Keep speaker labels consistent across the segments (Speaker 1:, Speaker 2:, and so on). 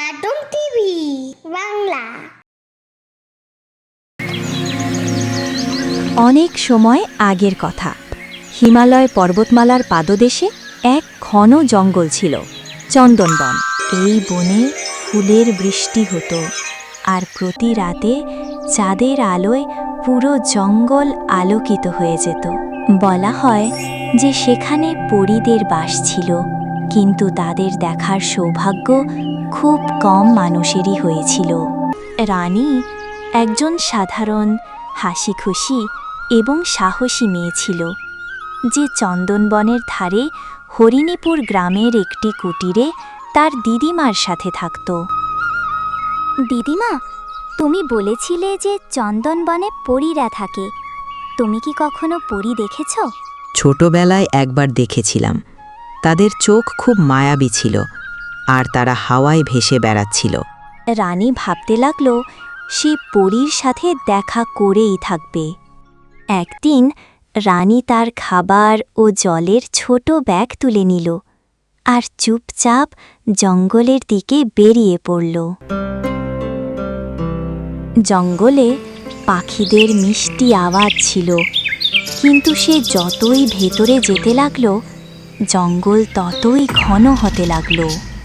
Speaker 1: Cartoon TV Bangla.
Speaker 2: অনেক সময় আগের কথা, হিমালয় পর্বতমালার পাদদেশে এক ঘন জঙ্গল ছিল, চন্দনবন। এই বনে ফুলের বৃষ্টি হতো, আর প্রতি রাতে চাঁদের আলোয় পুরো জঙ্গল আলোকিত হয়ে যেত। বলা হয় যে সেখানে পরীদের বাস ছিল, কিন্তু তাদের দেখার সৌভাগ্য খুব কম মানুষেরই হয়েছিল। রানী একজন সাধারণ, হাসিখুশি এবং সাহসী মেয়ে ছিল, যে চন্দনবনের ধারে হরিণীপুর গ্রামের একটি কুটিরে তার দিদিমার সাথে থাকত। দিদিমা, তুমি বলেছিলে যে চন্দনবনে পরীরা থাকে। তুমি কি কখনো পরী দেখেছ?
Speaker 3: ছোটবেলায় একবার দেখেছিলাম। তাদের চোখ খুব মায়াবী ছিল, আর তারা হাওয়ায় ভেসে বেড়াচ্ছিল।
Speaker 2: রানী ভাবতে লাগল সে পরীর সাথে দেখা করেই থাকবে। একদিন রানী তার খাবার ও জলের ছোট ব্যাগ তুলে নিল আর চুপচাপ জঙ্গলের দিকে বেরিয়ে পড়ল। জঙ্গলে পাখিদের মিষ্টি আওয়াজ ছিল, কিন্তু সে যতই ভেতরে যেতে লাগল, জঙ্গল ততই ঘন হতে লাগল।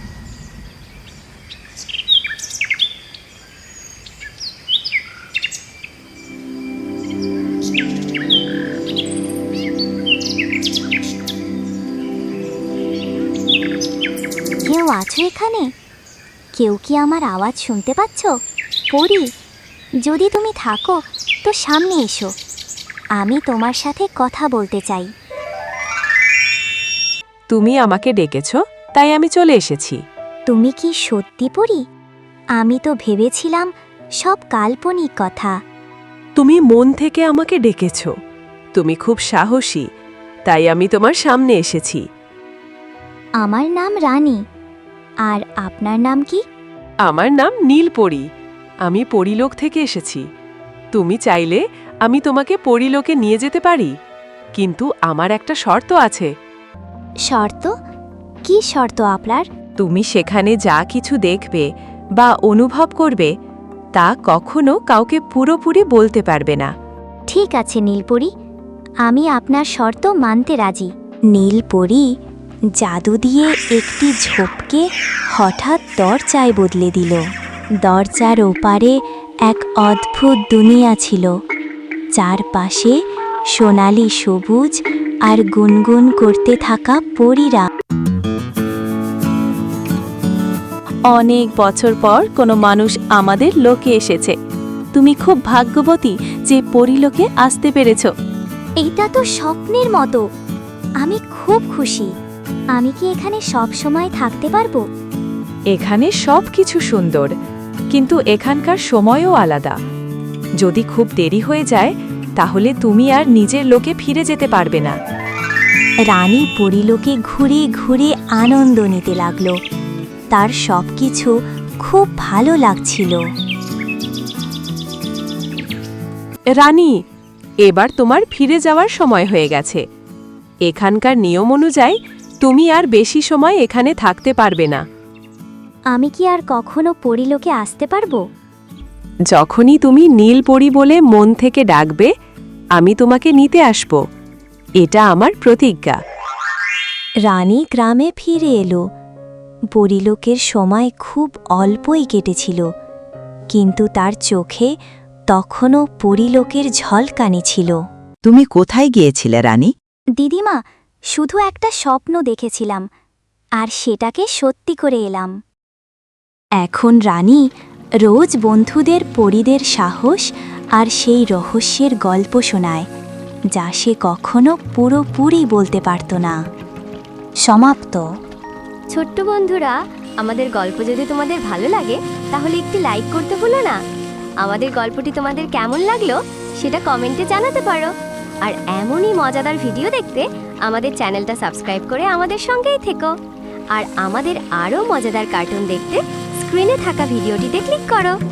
Speaker 2: কেউ আছো এখানে? কেউ কি আমার আওয়াজ শুনতে পাচ্ছ? পরী, যদি তুমি থাকো তো সামনে এসো, আমি তোমার সাথে কথা বলতে চাই।
Speaker 4: তুমি আমাকে ডেকেছ, তাই আমি চলে এসেছি।
Speaker 2: তুমি কি সত্যি পরী? আমি তো ভেবেছিলাম সব কাল্পনিক কথা।
Speaker 4: তুমি মন থেকে আমাকে ডেকেছ। তুমি খুব সাহসী, তাই আমি তোমার সামনে এসেছি।
Speaker 2: আমার নাম রানী। আর আপনার নাম কি?
Speaker 4: আমার নাম নীলপরী। আমি পরীলোক থেকে এসেছি। তুমি চাইলে আমি তোমাকে পরীলোকে নিয়ে যেতে পারি, কিন্তু আমার একটা শর্ত আছে।
Speaker 2: শর্ত? কি শর্ত আপনার?
Speaker 4: তুমি সেখানে যা কিছু দেখবে বা অনুভব করবে, তা কখনো কাউকে পুরোপুরি বলতে পারবে না।
Speaker 2: ঠিক আছে নীলপরী, আমি আপনার শর্ত মানতে রাজি। নীলপরী জাদু দিয়ে একটি ঝোপকে হঠাৎ দরজায় বদলে দিল। দরজার ওপারে এক অদ্ভুত দুনিয়া ছিল, চারপাশে সোনালি সবুজ আর গুনগুন করতে থাকা পরীরা।
Speaker 4: অনেক বছর পর কোনো মানুষ আমাদের লোকে এসেছে। তুমি খুব ভাগ্যবতী যে পরীলোকে আসতে পেরেছ।
Speaker 2: এটা তো স্বপ্নের মতো। আমি খুব খুশি। আমি কি এখানে সব সময় থাকতে পারবো?
Speaker 4: এখানে সব কিছু সুন্দর, কিন্তু এখানকার সময়ও আলাদা। যদি খুব দেরি হয়ে যায়, তাহলে তুমি আর নিজের লোকে ফিরে যেতে পারবে না।
Speaker 2: রানী পরীলোকে ঘুরে ঘুরে আনন্দ নিতে লাগলো। তার সবকিছু খুব ভালো লাগছিল।
Speaker 4: রানী, এবার তোমার ফিরে যাওয়ার সময় হয়ে গেছে। এখানকার নিয়ম অনুযায়ী তুমি আর বেশি সময় এখানে থাকতে পারবে না।
Speaker 2: আমি কি আর কখনো পরীলোকে আসতে পারবো?
Speaker 4: যখনই তুমি নীলপরী বলে মন থেকে ডাকবে, আমি তোমাকে নিতে আসব। এটা আমার প্রতিজ্ঞা।
Speaker 2: রানী গ্রামে ফিরে এলো। পরীলোকের সময় খুব অল্পই কেটেছিল, কিন্তু তার চোখে তখনও পরীলোকের ঝলকানি ছিল।
Speaker 3: তুমি কোথায় গিয়েছিলে রানী?
Speaker 2: দিদিমা, শুধু একটা স্বপ্ন দেখেছিলাম, আর সেটাকে সত্যি করে এলাম। এখন রানী রোজ বন্ধুদের পরীদের সাহস আর সেই রহস্যের গল্প শোনায়, যা সে কখনো পুরোপুরি বলতে পারত না। সমাপ্ত।
Speaker 5: ছোট্ট বন্ধুরা, আমাদের গল্প যদি তোমাদের ভালো লাগে তাহলে একটি লাইক করতে ভুলো না। আমাদের গল্পটি তোমাদের কেমন লাগলো সেটা কমেন্টে জানাতে পারো। আর এমনই মজাদার ভিডিও দেখতে আমাদের চ্যানেলটা সাবস্ক্রাইব করে আমাদের সঙ্গেই থেকো। আর আমাদের আরও মজাদার কার্টুন দেখতে স্ক্রিনে থাকা ভিডিওটিতে ক্লিক করো।